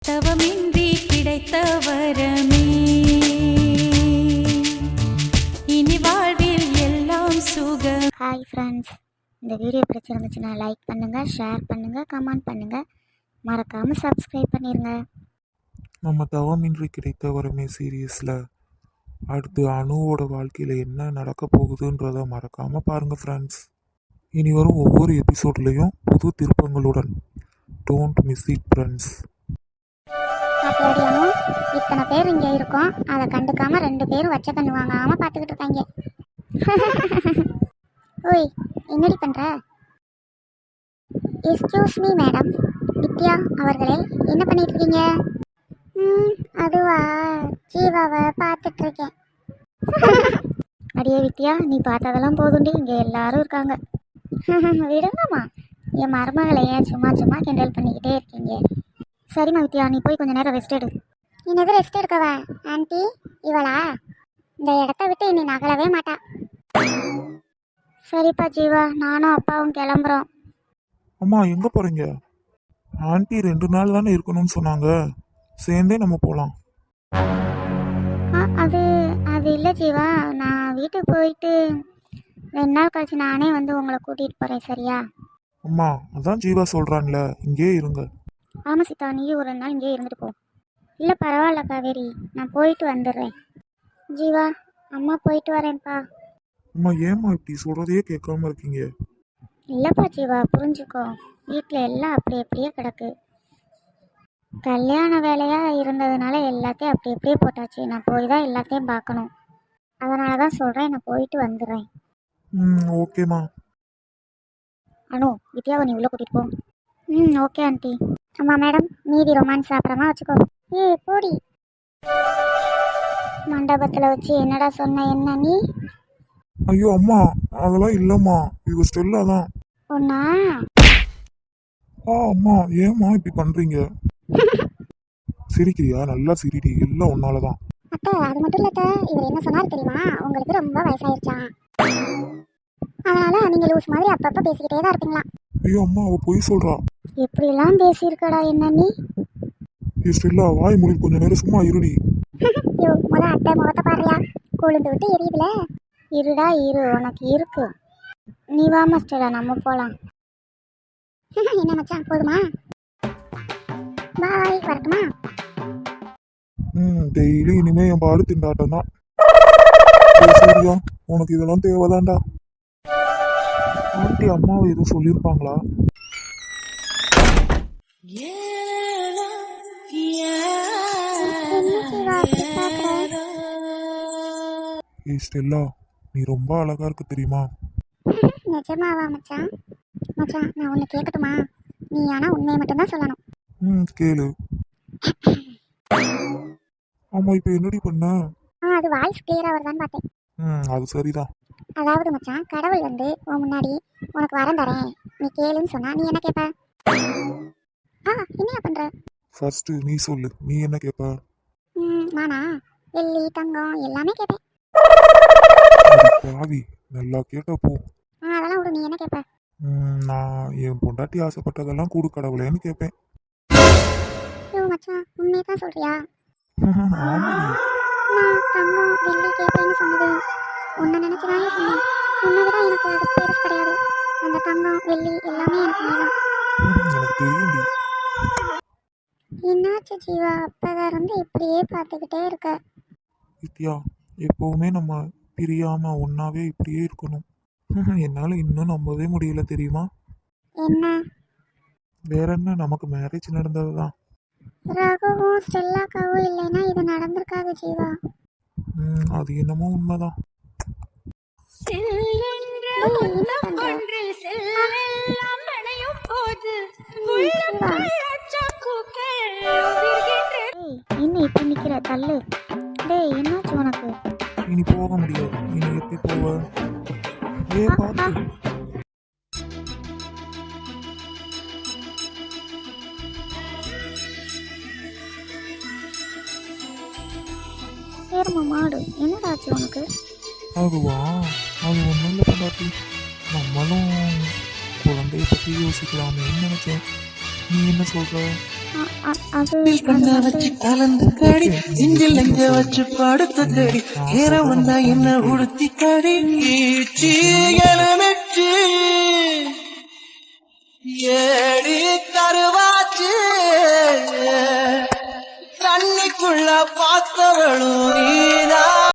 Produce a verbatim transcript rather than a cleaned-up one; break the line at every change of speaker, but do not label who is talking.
தவமின்றி கிடைத்த வரமே இனி வாழ்வில் எல்லாம் சுகம்.
ஹாய் ஃப்ரெண்ட்ஸ், இந்த வீடியோ பிடிச்சிருந்துச்சுன்னா லைக் பண்ணுங்கள், ஷேர் பண்ணுங்கள், கமெண்ட் பண்ணுங்கள், மறக்காமல் சப்ஸ்கிரைப் பண்ணிடுங்க.
நம்ம தவமின்றி கிடைத்த வரமே சீரியஸில் அடுத்து அணுவோட வாழ்க்கையில் என்ன நடக்க போகுதுன்றதை மறக்காமல் பாருங்கள் ஃப்ரெண்ட்ஸ். இனி வரும் ஒவ்வொரு எபிசோட்லேயும் புது திருப்பங்களுடன். Don't miss it friends.
பாத்தியாடியானோ, இத்தனை பேர் இங்கே இருக்கோம், அதை கண்டுக்காம ரெண்டு பேரும் வச்ச கண்ணு வாங்காம பார்த்துக்கிட்டு இருக்காங்க. ஓய், என்னடி பண்ற? எக்ஸ்கியூஸ் மீ மேடம், வித்யா அவர்களே, என்ன பண்ணிட்டு இருக்கீங்க? ம் அதுவா, ஜீவாவை பார்த்துட்டு இருக்கேன். அடியே வித்யா, நீ பார்த்ததெல்லாம் போதுண்டி, இங்கே எல்லாரும் இருக்காங்க. விடுங்கம்மா, என் மருமகளை ஏன் சும்மா சும்மா கிண்டல் பண்ணிக்கிட்டே இருக்கீங்க? சரிம்மா வித்யா, நீ போய் கொஞ்சம் நேரம் ரெஸ்ட் எடு. என்னது ரெஸ்ட் எடுக்கவா? ஆன்ட்டி இவளா இந்த இடத்த விட்டு இனி நகலவே மாட்டா. சரிப்பா ஜீவா, நானும் அப்பாவும் கிளம்புறோம்.
அம்மா எங்கே போகிறீங்க? ஆண்டி ரெண்டு நாள் தானே இருக்கணும்னு சொன்னாங்க, சேர்ந்தே நம்ம போகலாம்.
அது அது இல்லை ஜீவா, நான் வீட்டுக்கு போயிட்டு ரெண்டு நாள் கழிச்சு நானே வந்து உங்களை கூட்டிகிட்டு போகிறேன், சரியா?
அம்மா அதான் ஜீவா சொல்கிறான்ல, இங்கே இருங்க.
ஆமாம் சீதா, நீயும் ஒரு ரெண்டு நாள் இங்கே இருந்துட்டு போ. இல்லை பரவாயில்ல காவேரி, நான் போயிட்டு வந்துடுறேன். ஜீவா, அம்மா போயிட்டு வரேன்ப்பா.
அம்மா ஏம்மா இப்படி சொல்கிறதையே கேட்காம இருக்கீங்க?
இல்லைப்பா ஜீவா, புரிஞ்சுக்கோ, வீட்டில் எல்லாம் அப்படி அப்படியே கிடக்கு. கல்யாண வேலையாக இருந்ததுனால எல்லாத்தையும் அப்படி அப்படியே போட்டாச்சு. நான் போய் தான் எல்லாத்தையும் பார்க்கணும். அதனால தான் சொல்கிறேன், நான் போயிட்டு வந்துடுறேன்.
ம் ஓகேம்மா.
அனு, வித்யாவை நீ உள்ளே கூட்டிகிட்டு போ. ம் ஓகே ஆண்டி. அம்மா மேடம், மீதி ரொமான்ஸ் அப்புறமா வச்சுக்கோ. ஏ போடி. மண்டபத்தில் வச்சு என்னடா சொன்ன? என்ன நீ?
ஐயோ அம்மா, அதெல்லாம் இல்லைம்மா, இது ஸ்டெல்லா தான்.
ஒன்னா?
ஆ அம்மா, ஏம்மா இப்படி பண்ணுறீங்க? சிரிக்கிறியா? நல்லா சிரிடி, எல்லாம் ஒன்னால தான்.
அத்தை, அது மட்டும் இல்லை அத்தை, இவர் என்ன சொன்னார் தெரியுமா? உங்களுக்கு ரொம்ப வயசாயிருச்சான், அதனால நீங்க லூஸ் மாதிரி அப்பப்போ பேசிக்கிட்டே தான் இருப்பீங்களா?
ஐயோ அம்மா, அவ பொய் சொல்றா.
எப்படிலாம் பேசியிருக்கடா என்ன நீ?
ஏ ஸ்டெல்லா, வாய் மூடி கொஞ்ச நேரம் சும்மா இருடி.
ஐயோ, முத அத்தை முகத்தை பாருயா, கொழுந்து விட்டு எரியுதுல. இருடா இரு, உனக்கு இருக்கு. நீ வாமா ஸ்டெல்லா, நம்ம போகலாம். என்ன மச்சான், போதுமா? பாய், வரட்டுமா?
ம் டெய்லி இனிமே என் பாடு திண்டாட்டம் தான். சரியா, உனக்கு இதெல்லாம் தேவைதான்டா. ஆண்டி அம்மாவை எதுவும் சொல்லியிருப்பாங்களா? ஏ ஸ்டெல்லா, நீ ரொம்ப அழகா இருக்கு தெரியுமா?
நிஜமாவா மச்சான்? மச்சான், நான் ஒன்று கேட்கட்டுமா? நீ ஆனால் உண்மையை மட்டும்தான் சொல்லணும்.
ம் கேளு. ஆமா, இப்போ என்னடி பண்ண?
ஆ அது வாய்ஸ் கிளியராக வருதான்னு பார்த்தேன்.
ம் அது சரிதான்.
அதாவது மச்சான், கடவுள் வந்து உன் முன்னாடி உனக்கு வரம் தரேன், நீ கேளுன்னு சொன்னா நீ என்ன கேட்ப? ஆ என்னையா பண்ற?
ஃபர்ஸ்ட் நீ சொல்லு, நீ என்ன கேட்ப?
ம் நானா? வெள்ளி தங்கம் எல்லாமே கேட்பேன்.
பாவி, நல்லா கேட்ட போ.
ஆ அதெல்லாம் விடு, நீ என்ன கேட்ப?
ம் நான் என் பொண்டாட்டி ஆசைப்பட்டதெல்லாம் கூடு கடவுளேன்னு கேட்பேன்.
ஐயோ மச்சான், உண்மையை தான் சொல்றியா?
ஆமாடி.
நான் தங்கம் வெள்ளி கேட்பேன்னு சொன்னது உன்னை நினைச்சுதானே சொன்னேன். உன்னை விட எனக்கு அது பெருசு கிடையாது. அந்த தங்கம் வெள்ளி எல்லாமே எனக்கு வேணும்.
எனக்கு தெரியும்டி.
என்னாச்சு ஜீவா, அப்பதான் இருந்து இப்படியே பார்த்துக்கிட்டே இருக்க?
வித்யா, எப்பவுமே நம்ம பிரியாம ஒன்னாவே இப்படியே இருக்கணும். என்னால இன்னும் நம்பவே முடியல தெரியுமா?
என்ன?
வேற என்ன, நமக்கு மேரேஜ் நடந்ததுதான்.
ரகுவும் ஸ்டெல்லாக்காவும் இல்லைன்னா இது நடந்திருக்காது ஜீவா.
ம் அது என்னமோ உண்மைதான்.
இன்னும் இப்ப நிக்கிற தள்ளு. டேய், என்னாச்சு உனக்கு?
இனி போக முடியாது. இனி எப்படி போவ? ஏ பார்த்து.
ஏறுமா மாடு, என்னடாச்சு உனக்கு?
அதுவா, அது ஒன்றும் இல்லை பொண்டாட்டி, நம்மளும் குழந்தைய பற்றி யோசிக்கலாமேன்னு நினச்சேன். நீ என்ன சொல்கிற?
அ- அ- அது
கண்ண வச்சு கலந்து கடி நெஞ்சில் நெஞ்ச வச்சு படுத்த கடி நேரம் வந்தா என்ன உடுத்தி கடி நெச்சு ஏடி கருவாச்சு தண்ணிக்குள்ள பார்த்தவளும் நீதான்